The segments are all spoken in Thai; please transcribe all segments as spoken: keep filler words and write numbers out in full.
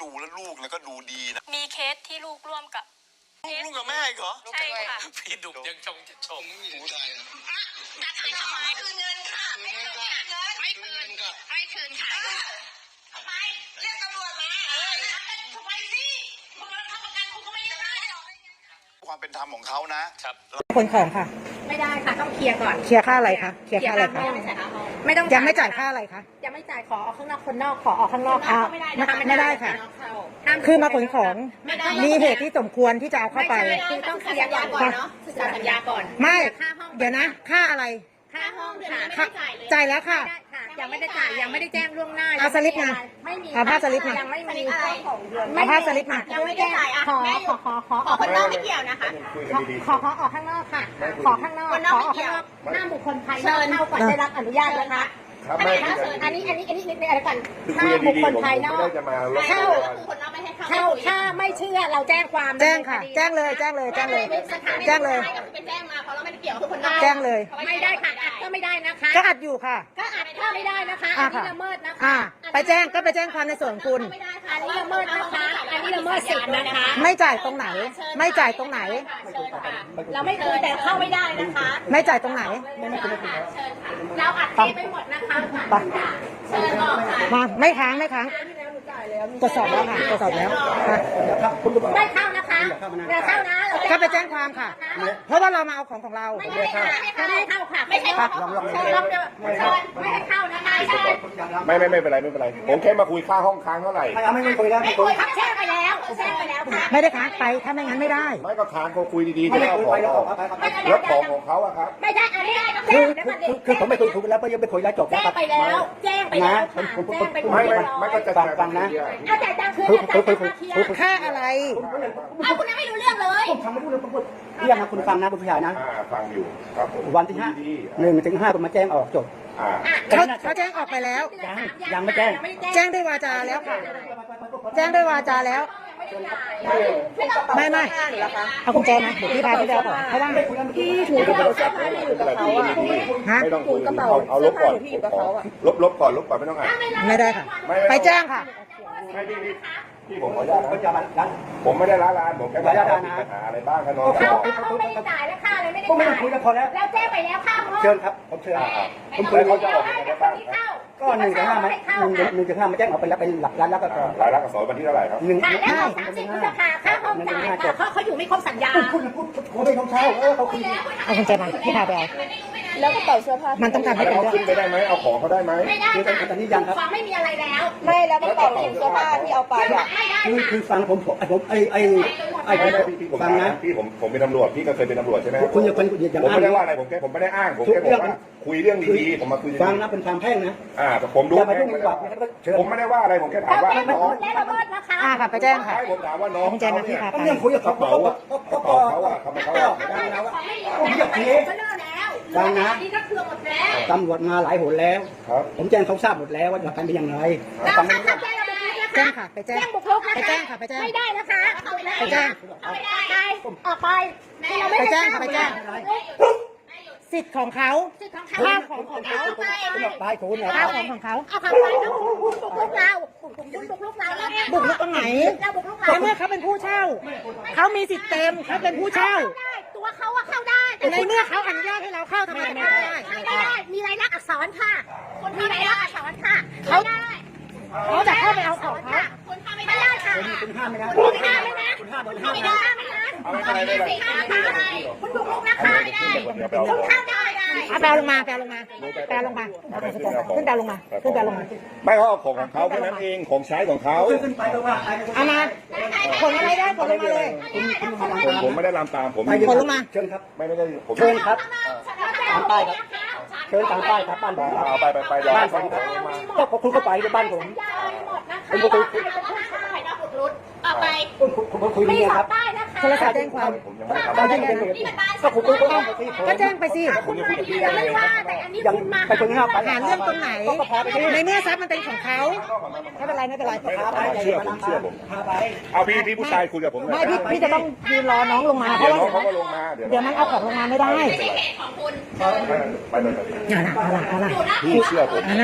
ดูแล้วลูกแล้วก็ดูดีนะมีเคสที่ลูกร่วมกับลูกลูกกับแม่เหรอใช่ค่ะพี่ดุยังชงจะชมหนูได้อะจะทำทำไมคืนเงินค่ะไม่คืนเงินไม่คืนไม่คืนค่ะทำไมเรียกตำรวจมาเออทำไมสิคุณรับประกันคุณก็ไม่ได้ความเป็นธรรมของเขานะครับคนของค่ะไม่ได้ค่ะต้องเคลียร์ก่อนเคลียร์ค่าอะไรคะเคลียร์ค่าอะไรคะไม่ต้องยังไม่จ่ายค่าอะไรคะยังไม่จ่ายขอออกข้างนอกคนนอกขอออกข้างนอกค่ะไม่ได้ไม่ได้ค่ะคือมาขนของมีเหตุที่สมควรที่จะเอาเข้าไปคือต้องเคลียร์ก่อนเนาะศึกษาสัญญาก่อนไม่เดี๋ยวนะค่าอะไรค่าห้องค่ะจ่ายแล้วค่ะยังไม่ได้จ่ายยังไม่ได้แจ้งล่วงหน้าเอาสลิปมาไม่มีเอาภาพสลิปมายังไม่มีเอาภาพสลิปมายังไม่ได้จ่ายขอขอขอขอออกข้างนอกไม่เกี่ยวนะคะขอขอออกข้างนอกค่ะขอข้างนอกขอออกข้างนอกหน้าบุคคลภายนอกเข้าก่อนได้รับอนุญาตนะคะอันนี้อันนี้อันนี้อันนี้นิดนึงอะไรก่อนถ้าบุคคลภายนอกเข้าเข้าถ้าไม่เชื่อเราแจ้งความแจ้งค่ะแจ้งเลยแจ้งเลยแจ้งเลยแจ้งเลยเป็นแจ้งมาเพราะเราไม่ได้เกี่ยวกับคนนอกแจ้งเลยไม่ได้ค่ะอัดก็ไม่ได้นะคะก็อัดอยู่ค่ะก็อัดก็ไม่ได้นะคะอันนี้ละเมิดนะคะไปแจ้งก็ไปแจ้งความในส่วนคุณไม่ได้ค่ะอันนี้ละเมิดนะคะอันนี้ละเมิดสิทธิ์นะคะไม่จ่ายตรงไหนไม่จ่ายตรงไหนเราไม่คุยแต่เข้าไม่ได้นะคะไม่จ่ายตรงไหนเราอัดคลิปไปหมดนะคะเชิญออกค่ะมาไม่ค้างไม่ค้างตรวจสอบแล้วค่ะตรวจสอบแล้วได้เข้านะคะได้เข้านะก็ไปแจ้งความค่ะเพราะว่าเรามาเอาของของเราไม่ได้เข้าไม่ได้เข้าค่ะไม่ใช่ลองลองลองเดี๋ยวไม่ให้เข้านะคะไม่ไม่ไม่เป็นไรไม่เป็นไรผมแค่มาคุยค่าห้องค้างเท่าไหร่ไม่ไม่คุยแล้วไม่คุยครับแจ้งไปแล้วแจ้งไปแล้วค่ะไม่ได้ค้างไปถ้าไม่งั้นไม่ได้ไม่ก็ค้างเขาคุยดีๆที่เอาของออกแล้วของของเขาอะครับไม่ได้อันนี้คือคือผมไม่คุยคุยแล้วก็ยังไม่คุยแล้วจบแจ้งไปแล้วแจ้งไปแล้วค่ะแจ้งไปไม่ไม่ไม่ก็จะฟังนะเอาแต่ตังคือคือค่าอะไรเอาคุณยังไม่รู้เรื่องเลยผมทำไม่รู้เรื่องผมพูดเรื่องนะคุณฟังนะคุณผู้ชายนะฟังอยู่ครับผมวันที่ห้าหนึ่งถึงห้าผมมาแจ้งออกจบเขาเขาแจ้งออกไปแล้วยังยังไม่แจ้งแจ้งด้วยวาจาแล้วค่ะแจ้งด้วยวาจาแล้วไม่ไม่เอากุญแจมาเดี๋ยวพี่พาพี่ไปเอาก่อนเพราะว่าพี่ถือกระเป๋าเสื้อผ้าที่อยู่กับเขาอ่ะฮะไม่ต้องคุยกระเป๋าเอาลบก่อนลบลบก่อนลบก่อนไม่ต้องอ่านไม่ได้ค่ะไปแจ้งค่ะไม่พี่พี่ผมขออนุญาตนะผมไม่ได้ล้าลานผมแค่มาถามปัญหาอะไรบ้างครับน้องเขาเขาไม่ได้จ่ายแล้วค่าอะไรไม่ได้จ่ายไม่ต้องคุยแล้วพอแล้วแล้วแจ้งไปแล้วค่าเชิญครับผมเชิญผมคุยเขาจะออกยังไงได้บ้างก็หนึ่งถึงห้ามาหนึ่งหนึ่งถึงห้ามาแจ้งออกไปแล้วเป็นหลักล้านแล้วก็รายลักษณ์อักษรวันที่เท่าไหร่ครับหนึ่งห้าสามสิบพฤษภาค่าห้องจ่ายค่ะเขาเขาอยู่ไม่ครบสัญญาคุณพูดเขาไม่ต้องเช่าเออเขาคุยเอาคุณเจมาพี่พาไปเอาแล้วกระเป๋าเสื้อผ้ามันต้องทำให้เป็นเรื่องขึ้นไปได้ไหมเอาของเขาได้ไหมไม่ได้ค่ะตอนนี้ยังครับไม่มีอะไรแล้วไม่แล้วกระเป๋าเสื้อผ้าที่เอาไปอ่ะคือคือฟังผมผมผมไอไอไอพี่ผมฟังนะพี่ผมผมเป็นตำรวจพี่ก็เคยเป็นตำรวจใช่ไหมคุณอย่าเป็นอย่าผมไม่ได้ว่าอะไรผมแค่ผมไม่ได้อ้างผมแค่บอกว่าคุยเรื่องดีๆผมมาคุยฟังนะเป็นความแพ่งนะอ่าแต่ผมรู้แพ่งผมไม่ได้ว่าอะไรผมแค่ถามว่าน้องอ่าค่ะไปแจ้งค่ะผมถามว่าน้องแจ้งมาที่พาไปเรื่องคุยกับกระเป๋ากระเป๋าเขาอะเขาไม่เขาอะผมอยากเทฟังนะตำรวจมาหลายหนแล้วผมแจ้งเขาทราบหมดแล้วว่าหลักการเป็นอย่างไรฟังไม่ได้แจ้งค่ะไปแจ้งไปแจ้งค่ะไปแจ้งไม่ได้นะคะไปแจ้งไม่ได้ออกไปไปแจ้งค่ะไปแจ้งสิทธิ์ของเขาข้าวของของเขาไปคุณข้าวของของเขาเอาขับไปแล้วบุกลุกเราคุณบุกลุกเราแล้วบุกลุกตรงไหนในเมื่อเขาเป็นผู้เช่าเขามีสิทธิ์เต็มเขาเป็นผู้เช่าตัวเขาอะเข้าได้ในเมื่อเขาอนุญาตให้เราเข้าทำไมไม่ได้ไม่ได้มีรายลักษณ์อักษรค่ะคนมีรายลักษณ์อักษรค่ะเขาได้เขาจะเข้าไปเอาของเขาคุณห้ามไม่ได้ค่ะคุณห้ามไม่ได้คุณห้ามไม่ได้คุณห้ามไม่ได้ไม่ได้คุณบุกลุกนะคะไม่ได้คุณเข้าได้เอาแปลลงมาแปลลงมาแปลลงมาขึ้นแปลลงมาขึ้นแปลลงมาไม่เขาเอาของของเขาแค่นั้นเองของใช้ของเขาเอามาขนอะไรได้ขนลงมาเลยผมไม่ได้ลามตามผมขนลงมาเชิญครับไม่ได้ผมเชิญครับตามป้ายครับเชิญตามป้ายครับบ้านผมเอาไปไปไปบ้านผมก็คุณก็ไปที่บ้านผมคุณก็คุยต่อไปคุณคุยนี่ครับโทรศัพท์แจ้งความก็แจ้งไปสิก็คุณก็แจ้งไปสิคุณมาดีๆไม่ว่าแต่อันนี้คุณมาไปคนนี้ไปหาเรื่องตรงไหนในเมื่อทรัพย์มันเป็นของเขาไม่เป็นไรไม่เป็นไรเชื่อผมเชื่อผมเอาพี่พี่ผู้ชายคุยกับผมไม่พี่พี่จะต้องยืนรอน้องลงมาเพราะว่าเขาก็ลงมาเดี๋ยวมันเอาของลงมาไม่ได้ไม่ใช่เหตุของคุณไปเลยอย่าละอย่าละอย่าละพี่เชื่อผมนะ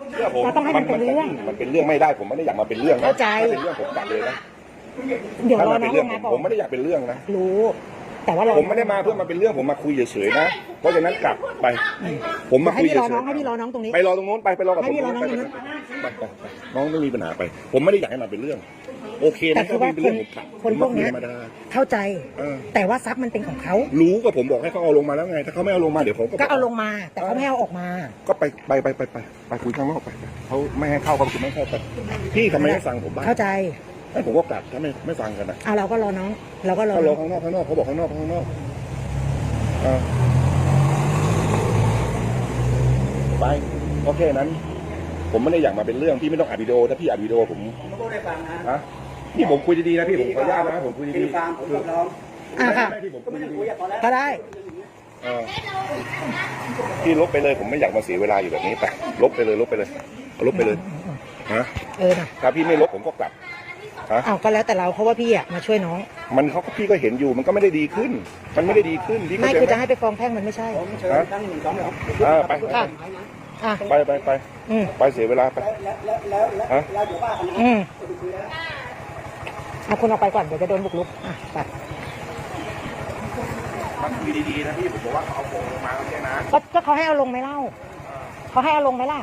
เชื่อผมเราต้องให้มันเป็นเรื่องมันเป็นเรื่องไม่ได้ผมไม่ได้อยากมาเป็นเรื่องนะเข้าใจถ้าเป็นเรื่องผมกลับเลยนะเดี๋ยวถ้ารอมันน้เป็อน งเรื่องลงผมมาก่อนผมไม่ได้อยากเป็นเรื่องนะรู้ แต่ว่าเราผมไม่ได้มาเพื่อมาเป็นเรื่องผมมาคุยเฉยๆนะเพราะฉะนั้นกลับไป ผมมาให้คุยพี่เฉรอย น้องให้ๆพี่รอน้องตรงนี้ไปรอตรงนู้นไปไปรอกับให้ผมพี่รอน้องไปตรงนั้นไปไปไปน้องไม่มีปัญหาไป ผมไม่ได้อยากให้มันเป็นเรื่อง โอเคแต่นะคือว่าเป็นคนเรื่องผมกลับคนพวกเนี้ยผมมาคุยธรรมดาเข้าใจเออแต่ว่าทรัพย์มันเป็นของเขารู้ก็ผมบอกให้เขาเอาลงมาแล้วไง ถ้าเขาไม่เอาลงมาเดี๋ยวผมก็ก็เอาลงมา แต่เขาไม่ให้เอาออกมาก็ไปไปไปไปไปไปคุยข้างนอกไปไปเขาไม่ให้เข้าก็คือไม่ให้เข้าไปพี่ทำไมไม่ฟังผมบ้างเข้าใจให้ผมก็กลับถ้าไม่ไม่ฟังกันนะอ่ะเราก็รอน้อง เราก็รอเขารน้อองข้างนอกข้างนอกเขาบอกข้างนอกข้างนอกเออไปโอเคนั้น ผมไม่ได้อยากมาเป็นเรื่องพี่ไม่ต้องอัดวิดีโอถ้าพี่อัดวิดีโอผมผมก็ได้ฟังนะฮะนี่ผมคุยดีๆนะพี่ผมขออนุญาตนะผมคุยดีดีฟังผมกับน้องอ่ะค่ะไม่ที่ผมก็คุไม่ยได้ดีคุยอะพอแล้วก็ได้ๆเออพี่ลบไปเลยผมไม่อยากมาเสียเวลาอยู่แบบนี้ไปลบไปเลยลบไปเลยลบไปเลยฮะเออนะถ้าพี่ไม่ลบผมก็กลับฮะอ้าวก็แล้วแต่เราเพราะว่าพี่อ่ะมาช่วยน้องมันเขาก็พี่ก็เห็นอยู่มันก็ไม่ได้ดีขึ้น มันไม่ได้ดีขึ้นพี่ไม่เข้าคือใจจะไหมให้ไปฟ้องแพ่งมันไม่ใช่ผมเชิญตั้งหนึ่งสองสามเออไปค่ะอ่ะไปไปไปอืมไปเสียเวลาไปแล้วแล้วแล้วแล้วแล้วเดี๋ยวว่ากันนะอืมจะไปคุยแล้วเอาคุณออกไปก่อนเดี๋ยวจะโดนบุกรุกอ่ะไปมันคุยดีๆนะพี่ผมบอกว่าเขาเอาโป่งลงมาแล้วแค่นั้นก็ก็เขาให้เอาลงไหมเล่าเขาให้เอาลงไหมล่ะ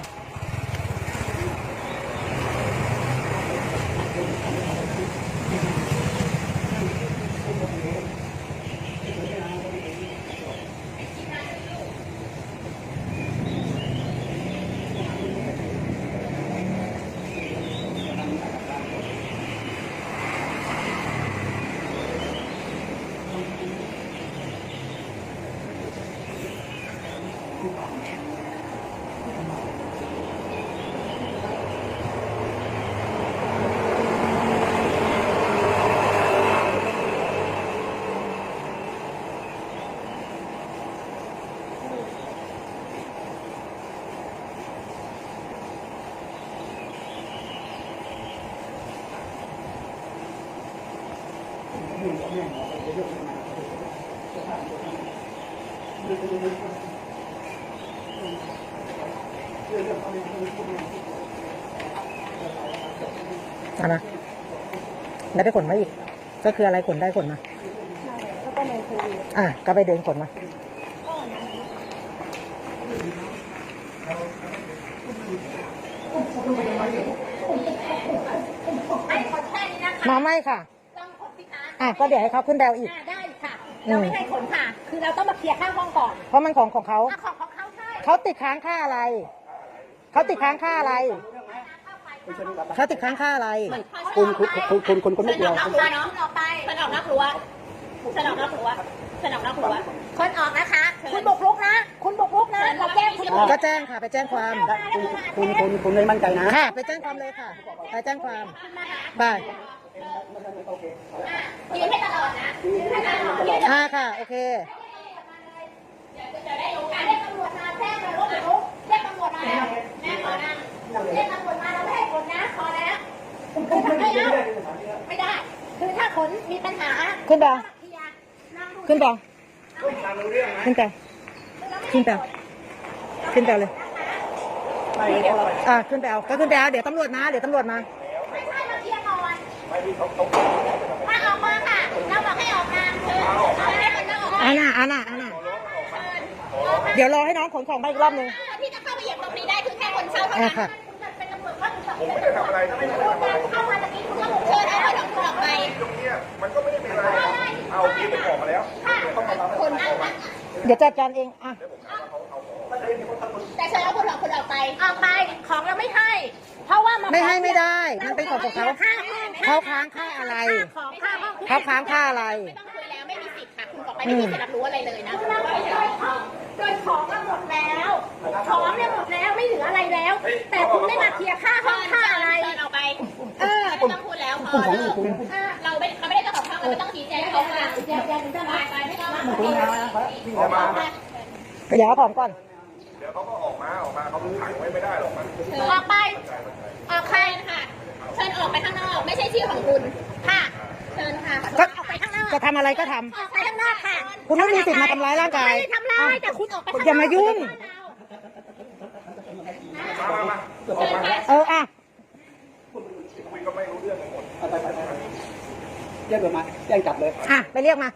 เอานะแล้วไปขนมาอีก ก็คืออะไรขนได้ขนมาอ่ะก็ไปเดินขนมามาไม่ค่ะต้องขนสิคะอ่ะก็เดี๋ยวให้เขาขึ้นแดวอีกอ่าได้ค่ะ เราไม่ให้ขนค่ะ คือเราต้องมาเคลียร์ข้างห้องก่อนเพราะมันของของเขาอ่ะของของเขาใช่เขาติดค้างค่าอะไร เขาติดค้างค่าอะไร เขาติดค้างค่าอะไรคุณคุณคุณคุณคุณคุณไม่เชิญเกี่อยวอกนอกรั้วเนาะออกไปเชิญออกนอกรั้วเชิญออกนอกรั้วเชิญออกนอกรั้วคนออกนะคะ คุณบุกรุกนะ คุณบุกรุกนะ เราแจ้งคุณก็แจ้งค่ะ ไปแจ้งความคุณคุณคุณไม่มั่นใจนะค่ะ ไปแจ้งความเลยค่ะ ไปแจ้งความไปยืนให้ตลอดนะยืนให้ตลอดยืนอ่าค่ะ โอเคจะได้รู้การเรียกตำรวจมาแจ้งเลยว่าบุกรุกเรียกตำรวจมาแล้วแม่ขอนะเรียกตำรวจมาเราไม่ให้ขนนะพอแล้วไม่เอาไม่ได้ คือถ้าขนมีปัญหาขึ้นไปเคลียร์นั่งดูขึ้นไปขึ้นไปขึ้นไปขึ้นไปเลย อ่าขึ้นไปเอาก็ขึ้นไปเอาเดี๋ยวตำรวจมา เดี๋ยวตำรวจมาไม่ใช่มาเคลียร์ก่อนถ้าออกมาค่ะ เราบอกให้ออกมาคือเราให้คนออกมาอาน่ะอาน่ะอาน่ะเดี๋ยวรอให้น้องขนของไปอีกรอบนึงที่จะเข้าไปเหยียบตรงนี้ได้คือแค่คนเช่าเท่าอ่านั้นค่ะเป็นตำรวจว่าคุณผมไม่ได้ทำอะไรนะไม่ได้ทำอะไรเข้ามาตะกี้คุณก็เชิญเอาไปทั้งหมดออกไปตรงเนี้ยมันก็ไม่ได้เป็นอะไรเอาพี่ผมออกมาแล้วคนนั่งเดี๋ยวจัดการเอง อ่ะแต่เชิญเอาคนออกคนออกไป ออกไป ของเราไม่ให้ เพราะว่าไม่ให้ไม่ได้ มันเป็นของของเขาค่าเขาค้างค่าอะไรของค่าห้องเขาค้างค่าอะไรไม่ต้องคุยแล้วไม่มีสิทธิ์ค่ะ คุณออกไปไม่มีสิทธิ์รับรู้อะไรเลยนะโดยของโดยของก็หมดแล้ว ของเนี่ยหมดแล้วไม่เหลืออะไรแล้ว แต่คุณไม่มาเคลียร์ค่าห้องค่าอะไรเอาไป เออไม่ต้องพูดแล้วพอเราไม่เขาไม่ได้เจ้าของห้องเราไม่ต้องชี้แจงให้เขาฟังแจงแจงจะไปไปไม่ต้องออกมาเดี๋ยวเอาของก่อนเดี๋ยวเขาก็ออกมาออกมาเขาขังไว้ไม่ได้หรอกมันออกไป ออกใครค่ะ เชิญออกไปข้างนอก ไม่ใช่ชื่อของคุณ ค่ะ เชิญค่ะก็ออกไปข้างนอกจะทำอะไรก็ทำออกไปข้างนอกค่ะคุณไม่มีสิทธิ์มาทำร้ายร่างกายไม่ได้ทำร้ายแต่คุณออกไปข้างนอกอย่ามายุ่งมามามาเอออ่ะคุยก็ไม่รู้เรื่องทั้งหมดไปไปไปแจ้งตำรวจมาแจ้งจับเลยอ่ะไปเรียกมา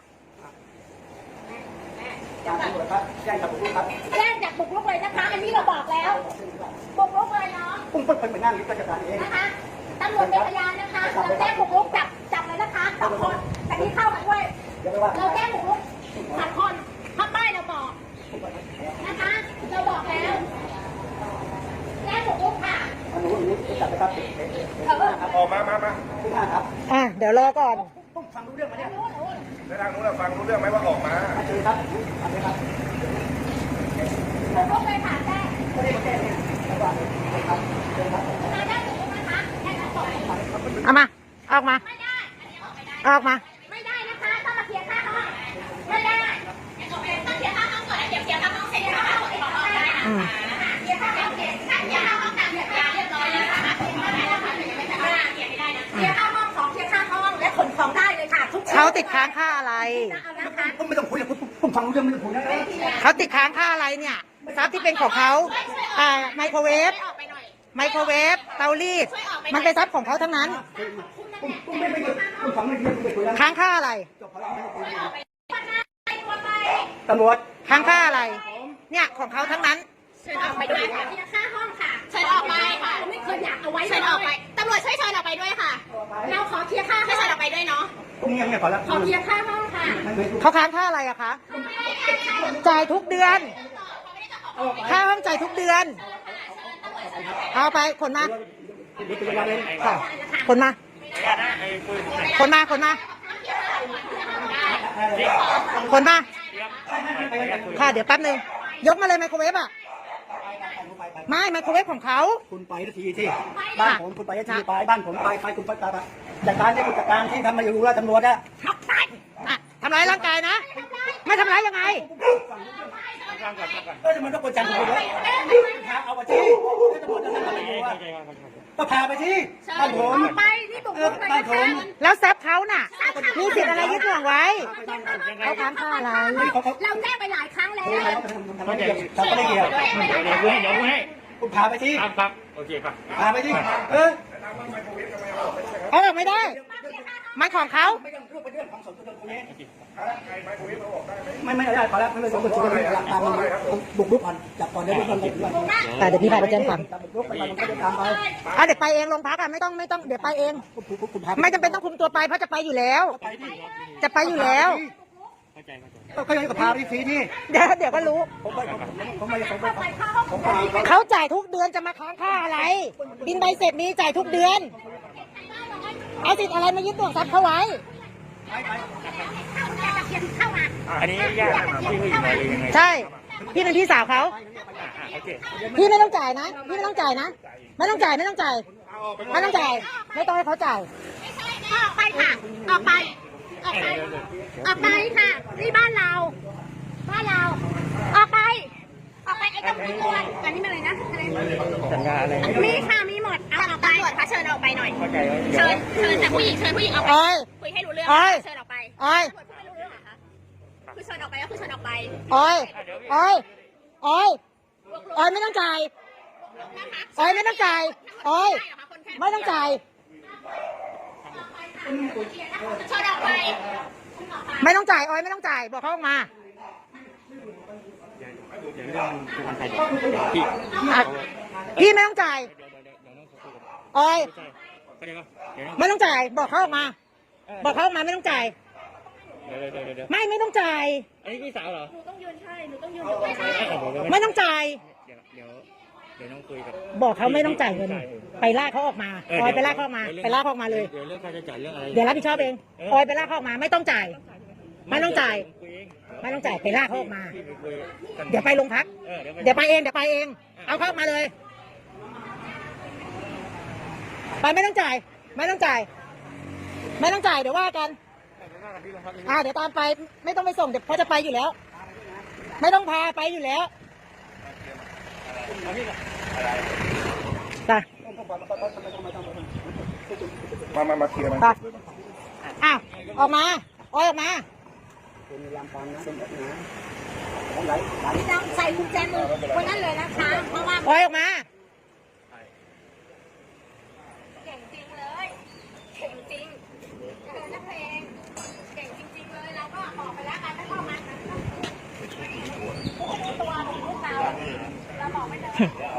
แจ้งตำรวจครับแจ้งจับผมครับแจ้งจากบุกรุกเลยนะคะ อันนี้เราบอกแล้วบุกรุกเลยเนาะปุ้งปุ้งเป็นนั่งราชการเองนะคะตำรวจเป็นพยานนะคะเราแจ้งบุกรุกจับจับเลยนะคะสองคนแต่ที่เข้ามาด้วยเดี๋ยวไปว่าเราแจ้งบุกรุกสามคนข้างป้ายเราบอกนะคะ เราบอกแล้วแจ้งบุกรุกค่ะอันนู้นอันนี้จับไปครับเออออกมามามาที่ห้าครับอ่ะเดี๋ยวรอก่อนปุ้งฟังรู้เรื่องไหมเนี่ยในทางนู้นฟังรู้เรื่องไหมว่าออกมามาเชิญครับทำเลยครับบุกรุกเลยค่ะแจ้งไม่ได้มาแจ้งเนี่ยระหว่างครับเชิญครับเราแจ้งบุกรุกนะคะแจ้งทั้งสองเอามาออกมาไม่ได้ อันนี้ออกไม่ได้ออกมาไม่ได้นะคะต้องมาเคลียร์ค่าห้องไม่ได้ต้องเคลียร์ค่าห้องก่อนเดี๋ยวเคลียร์ค่าห้องเสร็จแล้วค่าห้องออกได้อืมเคลียร์ค่าห้องเสร็จเคลียร์ค่าห้องตามสัญญาเรียบร้อยแล้วนะคะเคลียร์ไม่ได้นะคะยังไม่สามารถเคลียร์ไม่ได้นะเคลียร์ค่าห้องสองเคลียร์ค่าห้องและขนของได้เลยค่ะทุกเขาติดค้างค่าอะไรเอานะคะปุ้งไม่ต้องคุยเลยปุ้งปุ้งฟังรู้เรื่องไม่ต้องคุยนะเขาติดค้างค่าอะไรเนี่ยทรัพย์ที่เป็นของเขาอ่าไมโครเวฟออกไปหน่อยไมโครเวฟเตารีดมันเป็นทรัพย์ของเขาทั้งนั้นปุ้งปุ้งไม่ไม่ปุ้งฟังไม่รู้เรื่องไม่คุยแล้วค้างค่าอะไรจบแล้วไม่ต้องคุยไปตัวไปตำรวจค้างค่าอะไร เนี่ยของเขาทั้งนั้นเชิญออกไปด้วยค่ะเคลียร์ค่าห้องค่ะเชิญออกไปค่ะเราไม่เคยอยากเอาไว้เชิญออกไปตำรวจช่วยเชิญออกไปด้วยค่ะ เราขอเคลียร์ค่าให้เชิญออกไปด้วยเนาะปุ้งเงียบเงียบก่อนแล้วขอเคลียร์ค่าห้องค่ะไม่ไม่เขาค้างค่าอะไรอะคะ จ่ายทุกเดือน ค่าห้องจ่ายทุกเดือน เอาไปขนมาเดี๋ยวไปยังไงเลยค่ะขนมาขนมาขนมาขนมา ค่ะเดี๋ยวแป๊บนึง ยกมาเลยไมโครเวฟอะไม่ไมโครเวฟของเขาคุณไปทีที่บ้านผมคุณไปทีไปบ้านผมไปไปคุณไปไปจัดการที่คุณจัดการที่ทำมาอยู่รู้แล้วตำรวจอะอ่ะทำร้ายร่างกายนะ ไม่ทำร้ายยังไงก็มันต้องกดจังเลยพาเอาไปที่ตำรวจจะทำอะไรอยู่อะก็พาไปที่บ้านผมไปนี่บุกรุกเลยบ้านนะผคะมแล้วทรัพย์เขาน่ะ มีสิทธิ์อะไรยึดห่วงไว้ เขาค้างค่าอะไรเราแจ้งไปหลายครั้งแล้วทำไม่เกี่ยวทำไม่เกี่ยวเดี๋ยวกูให้เดี๋ยวกูให้คุณพาไปที่ครับครับโอเคครับพาไปที่เออเอาออกไม่ได้ มันของเขาไม่ต้องรูปเป็นเรื่องของส่วนตัวตรงนี้ไม่ไม่ได้ขอแล้วไม่เลยสมบูรณ์สุดเลยหลักตามบุกรุกก่อนจับก่อนเดี๋ยวบุกรุกก่อนแต่เดี๋ยวพี่พาไปแจ้งความจับบุกรุกไปมันก็จะตามไปอ่ะเดี๋ยวไปเองโรงพักอ่ะไม่ต้องไม่ต้องเดี๋ยวไปเองคุณพาไม่จำเป็นต้องคุมตัวไปเพราะจะไปอยู่แล้วไปที่จะไปอยู่แล้วเข้าใจเข้าใจก็ยังกับพาไปฟรีที่เดี๋ยวเดี๋ยวก็รู้ผมไปผมไม่ผมไม่ผมพาเขาจ่ายทุกเดือนจะมาค้างค่าอะไร บินใบเสร็จมีจ่ายทุกเดือน เอาสิทธิ์อะไรมายึดตัวทรัพย์เขาไว้เข้ามาอันนี้ญาติพี่ผู้หญิงมาเลยยังไงใช่ พี่เป็นพี่สาวเขาโอเคพี่ไม่ต้องจ่ายนะ พี่ไม่ต้องจ่ายนะ ไม่ต้องจ่ายไม่ต้องจ่าย ไม่ต้องจ่าย ไม่ต้องให้เขาจ่ายออกไปค่ะ ออกไป ออกไป ออกไปค่ะ นี่บ้านเรา บ้านเรา ออกไป ออกไปไอ้ตำรวจอันนี้มันอะไรนะอะไรสัญญาอะไรมีค่ะ มีหมด เอาออกไปตำรวจคะเชิญออกไปหน่อยเข้าใจว่าเชิญ เชิญแต่ผู้หญิง เชิญผู้หญิงออกไปอ้อยคุยให้รู้เรื่องอ้อยเชิญออกไปอ้อยตำรวจพูดไม่รู้เรื่องเหรอคะคือเชิญออกไปก็คือเชิญออกไปอ้อยอ้อยอ้อยอ้อยไม่ต้องจ่ายอ้อยไม่ต้องจ่ายอ้อยไม่ต้องจ่ายเชิญออกไปไม่ต้องจ่ายอ้อยไม่ต้องจ่าย บอกเขาออกมาเดี๋ยวเรื่องคือคนไทยพี่อ่ะพี่ไม่ต้องจ่ายเดี๋ยวเดี๋ยวเดี๋ยวน้องคุยกับอ้อยใช่เข้าใจป่ะเดี๋ยวน้องไม่ต้องจ่าย บอกเขาออกมา บอกเขาออกมาไม่ต้องจ่ายเดี๋ยวเดี๋ยวเดี๋ยวเดี๋ยวไม่ไม่ต้องจ่ายอันนี้พี่สาวเหรอหนูต้องยืนใช่ หนูต้องยืนไม่ต้องจ่ายเดี๋ยวเดี๋ยวเดี๋ยวน้องคุยกับบอกเขาไม่ต้องจ่ายเงิน ไปลากเขาออกมาออยไปลากเขาออกมา ไปลากเขาออกมาเลยเดี๋ยวเรื่องค่าใช้จ่ายเรื่องอะไรเดี๋ยวรับผิดชอบเองออยไปลากเขาออกมา ไม่ต้องจ่าย ไม่ต้องจ่ายคุยเองไม่ต้องจ่าย ไปลากเขาออกมาพี่ไปคุยกันเดี๋ยวไปโรงพักเออเดี๋ยวไปเดี๋ยวไปเอง เดี๋ยวไปเอง เอาเข้ามาเลย ไปไม่ต้องจ่าย ไม่ต้องจ่าย ไม่ต้องจ่าย เดี๋ยวว่ากัน อ่า เดี๋ยวตามไป ไม่ต้องไปส่ง เดี๋ยวเขาจะไปอยู่แล้ว ไม่ต้องพาไปอยู่แล้วไปมามามาเคลียร์มันไปอ้าวออกมาออยออกมาเป็นยามฟังนะเป็นแบบนี้ของไหลไหลต้องใส่กุญแจมือวันนั้นเลยนะคะ เพราะว่าออยออกมาเ